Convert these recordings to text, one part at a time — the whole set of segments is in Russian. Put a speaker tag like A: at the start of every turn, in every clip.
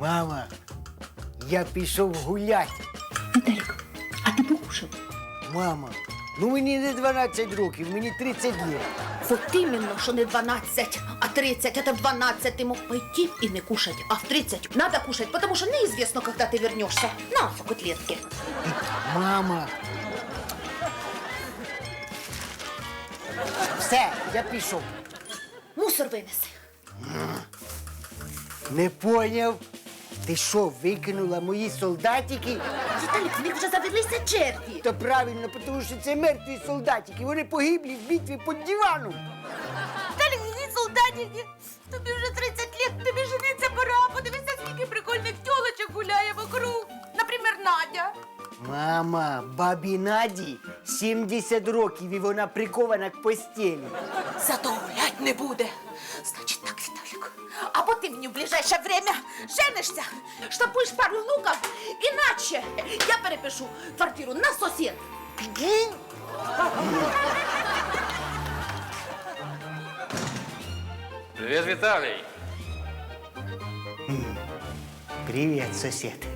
A: Мама, я пішов гуляти.
B: Віталік, а ти покушав?
A: Мама, ну мені не 12 років, мені 30 років.
B: Вот именно, что не 12, а 30. Это в 12 ты мог пойти и не кушать, а в 30 надо кушать, потому что неизвестно, когда ты вернешься. На, котлетки.
A: Мама. Все, я пішов.
B: Мусор вынеси.
A: Не поняв. Ти що, викинула мої солдатики?
B: Виталик, в них вже завелися черві.
A: Та правильно, тому що це мертві солдатики. Вони погиблі в битві під диваном.
B: Виталик, ні солдатики. Тобі вже 30 лет, тобі жениться пора. Подивися, скільки прикольних тілочок гуляє вокруг. Наприклад, Надя.
A: Мама, бабі Наді 70 років і вона прикована к постелі.
B: Зато гулять не буде. Значить так, Виталик, або ти мені в ближайше время женишся, штампуєш пару внуків, іначе я перепишу квартиру на сусід.
C: Привет, Виталий.
A: Привіт, сусід.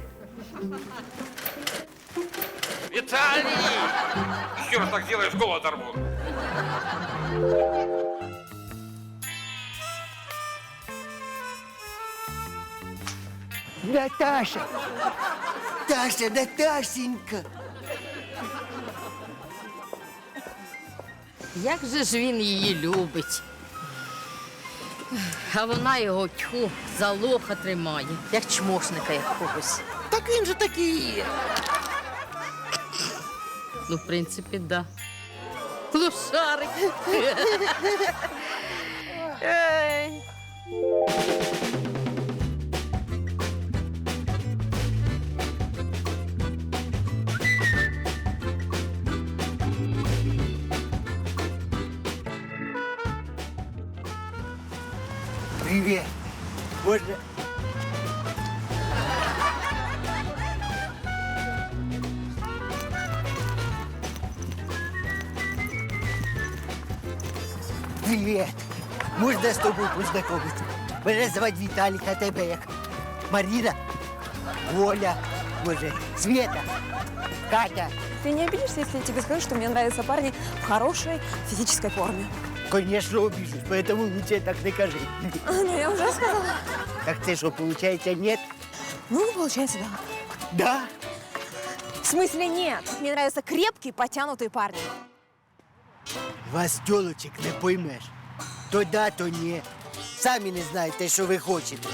C: Виталий! Еще раз так сделаешь, голову оторву.
A: Наташа! Таша, Наташенька!
D: Як же ж він її любить. А вона його тьху за лоха тримає, як чмошника якогось.
E: Так він же такий і є.
D: Ну, в принципі, да. Лошарик. Ей.
A: Привіт! Можна? Привіт! Можна з тобою познайомитися? Мене звати Віталік, а тебе як? Маріна? Оля? Може, Света? Катя?
F: Ты не обидишься, если я тебе скажу, что мне нравятся парни в хорошей физической форме?
A: Конечно, обижусь, поэтому лучше так не кажи.
F: Ну, я уже сказала.
A: Так це що, получается, нет?
F: Ну, получается, да.
A: Да?
F: В смысле нет? Мне нравятся крепкие, потянутые парни.
A: Вас, тёлочек, не поймеш. То да, то ні. Самі не знаєте, що ви хочете.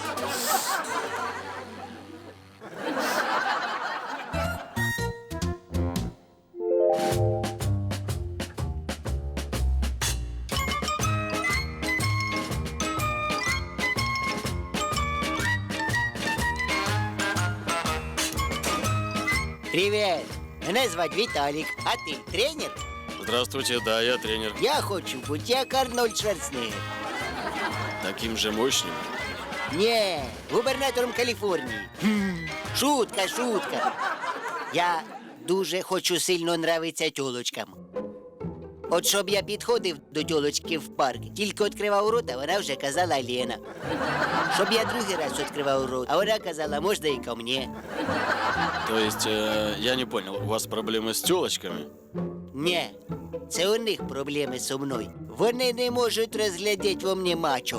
A: Привіт! Мене звати Віталік, а ти тренер?
G: Здравствуйте, да, я тренер.
A: Я хочу бути як Арнольд Шварценеггер.
G: Таким же мощным.
A: Ні, губернатором Каліфорнії. Шутка, шутка. Я дуже хочу сильно нравитися тьолочкам. От щоб я підходив до тьолочки в парк, тільки відкривав рота, вона вже казала Лена. Щоб я другий раз відкривав рот, а вона казала, можна і ко мені.
G: То есть, я не понял, у вас проблемы с тёлочками?
A: Ні, це у них проблеми зі мною. Вони не можуть розглядіти во мені мачо.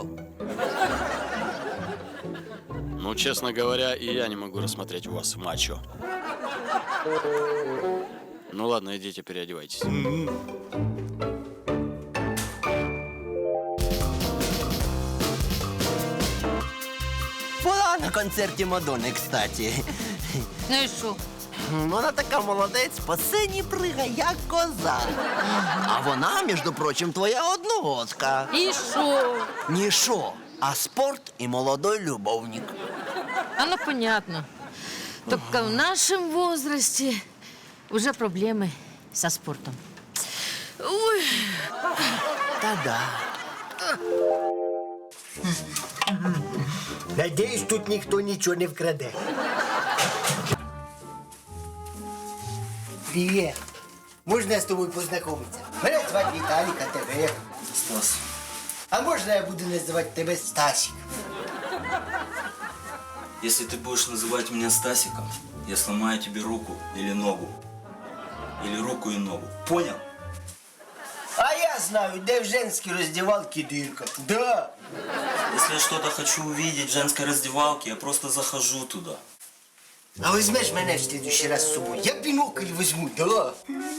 G: Ну, честно говоря, и я не могу рассмотреть у вас мачо. Ну ладно, идите, переодевайтесь.
E: Була на концерті Мадонни, кстати.
D: Ну і що?
E: Вона така молодець, по сцені пригає, як коза. А вона, між прочим, твоя одногодка.
D: І що?
E: Ні шо, а спорт і молодой любовник.
D: А ну, понятно. Только в нашем возрасте уже проблемы со спортом. Ой.
E: Та-да.
A: Надіюсь, тут ніхто нічого не вкраде. Привіт. Можна з тобою познайомитися? Мене звати Віталік, а тебе як?
E: Стас.
A: А можна я буду називати тебе Стасік?
H: Если ты будешь называть меня Стасиком, я сломаю тебе руку или ногу. Или руку и ногу. Понял?
A: А я знаю, де в женській роздівалці дирка. Да.
H: Если я что-то хочу увидеть в женской раздевалке, я просто захожу туда.
A: А візьмеш мене в следующий раз з собою? Я бінокль візьму, да.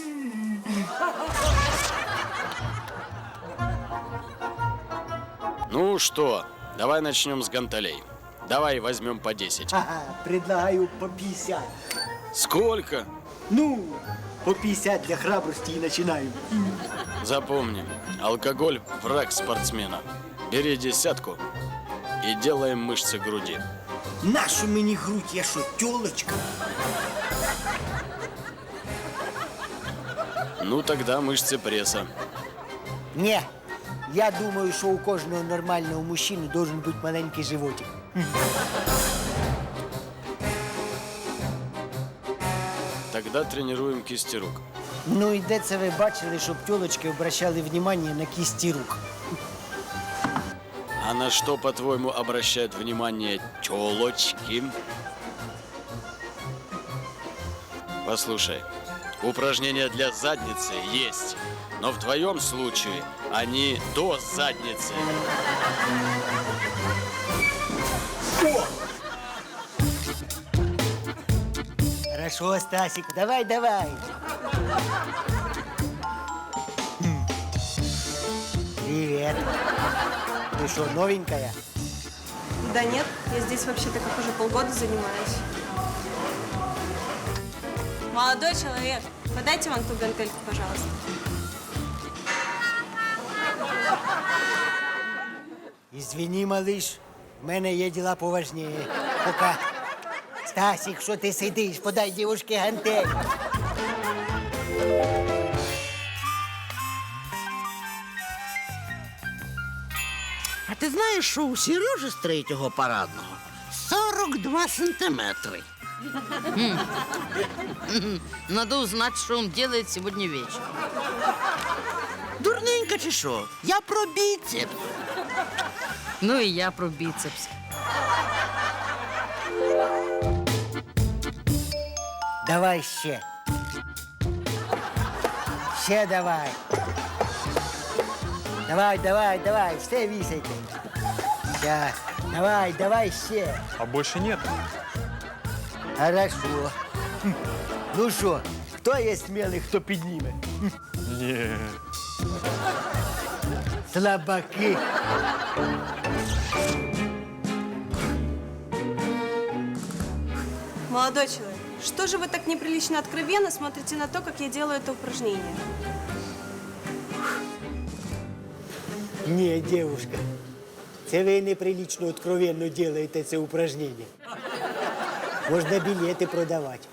G: Ну что, давай начнем с гантелей. Давай возьмем по 10.
I: Ага, предлагаю по 50.
G: Сколько?
I: Ну, по 50 для храбрости и начинаем.
G: Запомни, алкоголь – враг спортсмена. Бери 10 и делаем мышцы груди.
I: Нашу мені грудь, я що, тёлочка?
G: Ну тогда мышцы пресса.
I: Не, я думаю, що у кожного нормального мужчини должен бути маленький животик.
G: Тогда тренируем кисти рук.
I: Ну і де це ви бачили, щоб тёлочки обращали внимание на кисти рук?
G: А на что, по-твоему, обращают внимание тёлочки? Послушай, упражнения для задницы есть, но в твоем случае они до задницы.
I: Хорошо, Стасик, давай, давай. Привет. Ты что, новенькая?
F: Да нет, я здесь вообще-то как уже полгода занимаюсь. Молодой человек, подайте вон ту гантельку, пожалуйста.
I: Извини, малыш, в мене є діла поважніше. Пока. Стасик, що ти сидиш? Подай дівушці гантель.
E: А ти знаєш, що у Сережі з третього парадного 42 сантиметри.
D: Надо узнать, что он делает сегодня вечером.
E: Дурненька чи що? Я про біцепс.
D: Ну и я про бицепс.
I: Давай ще. Ще давай. Давай, давай, давай, все висайте. Сейчас. Давай, давай ще.
J: А больше нет.
I: Хорошо. Ну що, хто є смілий, хто підніме?
J: Не.
I: Слабаки.
F: Молодой человек, что же вы так неприлично откровенно смотрите на то, как я делаю это упражнение?
I: Ні, дівушка, це ви неприлично откровенно делаєте це упражнення. Можна білети продавати.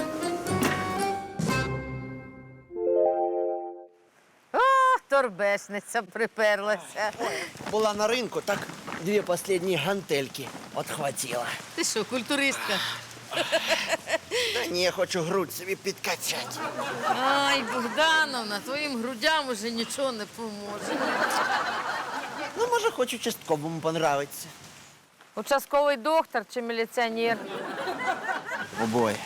D: Торбешниця приперлася.
E: Була на ринку, так дві останні гантельки отхватила.
D: Ти що, культуристка?
E: Та ні, хочу грудь собі підкачати.
D: Ай, Богдановна, твоїм грудям уже нічого не поможе.
E: Ну, може, хоч участковому понравиться.
D: Участковий доктор чи міліціонер?
E: Обоє.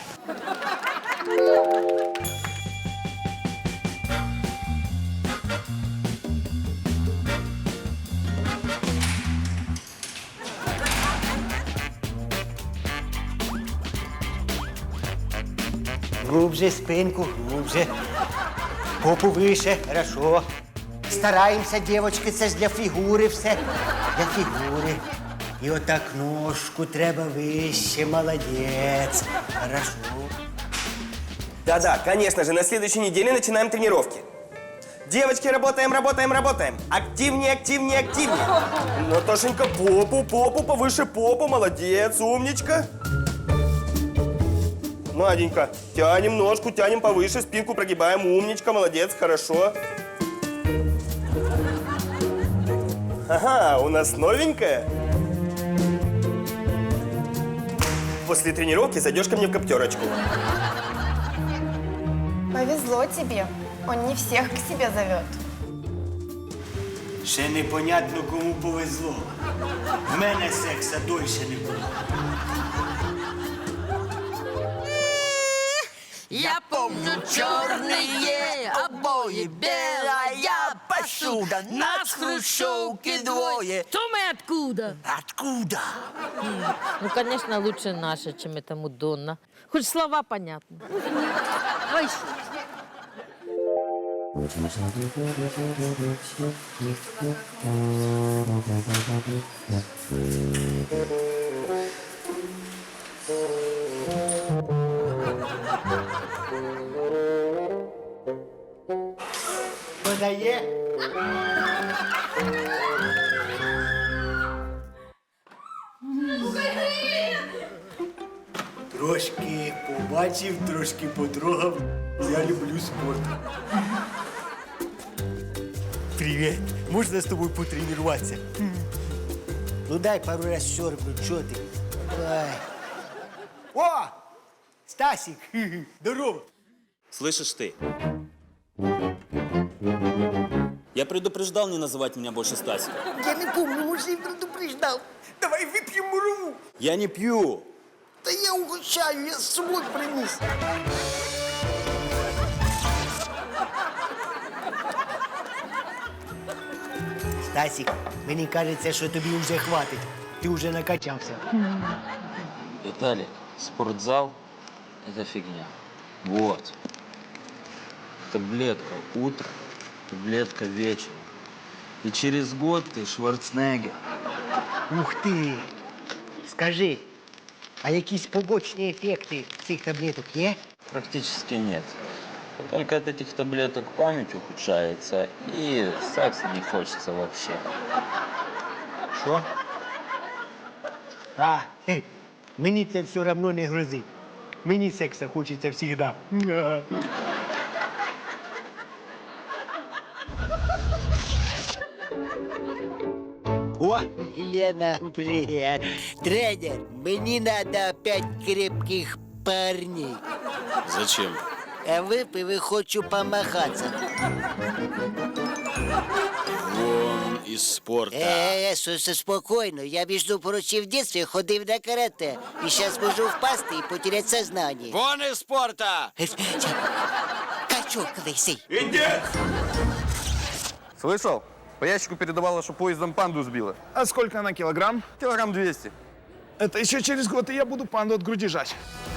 I: Глубже спинку, глубже. Попу вище, хорошо. Стараємося, дівчатки, це ж для фігури все. Для фігури. І отак ножку треба вище, молодець. Хорошо.
K: Да-да, конечно же, на следующей неделе начинаем тренировки. Девочки, работаем, работаем, работаем. Активнее, активнее, активнее. Наташенька, попу, попу, повыше попу, молодец, умничка. Наденька, тянем ножку, тянем повыше, спинку прогибаем, умничка, молодец, хорошо. Ага, у нас новенькая. После тренировки зайдешь ко мне в коптерочку.
L: Повезло тебе. Он не всех к себе зовет.
I: Ще непонятно, кому повезло. В мене секса дольше не було.
E: Я помню черные обои, белая посуда, нас в хрущевке двое.
D: То мы откуда?
E: Откуда?
D: Ну, конечно, лучше наша, чем эта Мадонна. Хоть слова понятны. Ой,
I: Подає? Трошки побачив, трошки потрогав. Я люблю спорт. Привіт. Можна з тобою потренуватися? Ну дай пару раз сьорбну, чого ти? Ай. О! Стасик! Здорово!
H: Слышишь ты? Я предупреждал не называть меня больше Стасиком.
E: Я не помню, может, я предупреждал.
I: Давай вип'ємо муру!
H: Я не пью.
E: Да я угощаю, я с собой принес.
I: Стасик, мені кажеться, що тобі вже хватить. Ти вже накачався.
H: Виталик, спортзал – это фигня. Вот. Таблетка утром, таблетка вечером. И через год ты Шварценеггер.
I: Ух ти! Скажи, а якісь побочні ефекти цих таблеток є?
H: Практически нет. Только от этих таблеток память ухудшается, и секса не хочется вообще.
I: Що? Мені це все одно не грозить. Мені секса хочеться завжди.
A: О, Лена, привет. Тренер, мне надо 5 крепких парней.
G: Зачем?
A: А выпив и хочу помахаться.
G: Вон из спорта.
A: Спокойно. Я, между прочим, в детстве ходил на карате. И сейчас могу впасть и потерять сознание.
G: Вон из спорта!
A: Качок лысый.
K: Слышал? По ящику передавала, что поездом панду сбила.
J: А сколько она килограмм?
K: Килограмм 200.
J: Это еще через год, и я буду панду от груди жать.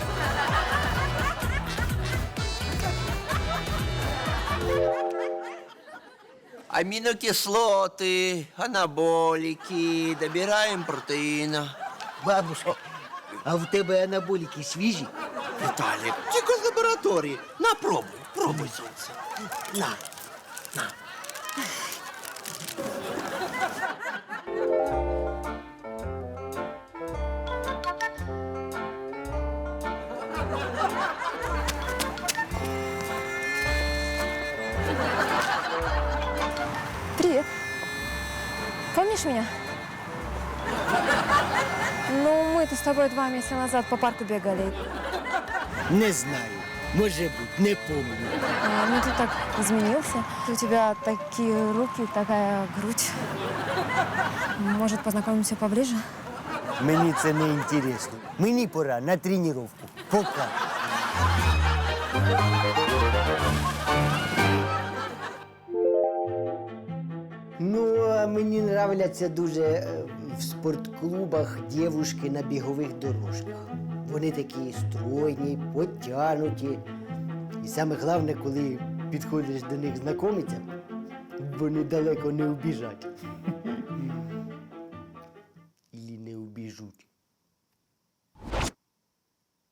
E: Аминокислоты, анаболики, добираем протеина.
I: Бабушка, а в тебе анаболіки свіжі?
E: Виталик, тільки з лабораторії. На, пробуй, пробуй, сонце. На, на.
F: Привет. Помнишь меня? Ну, мы-то с тобой 2 месяца назад по парку бегали.
I: Не знаю. Може бути, не помню.
F: Ну, ты так изменился. У тебя такие руки, такая грудь. Может, познакомимся поближе?
I: Мені це не інтересно. Мені пора на тренування. Пока. Ну, а мені нравляться дуже в спортклубах дівушки на бігових дорожках. Вони такі стройні, потягнуті. І саме головне, коли підходиш до них знайомитися, вони далеко не убіжать.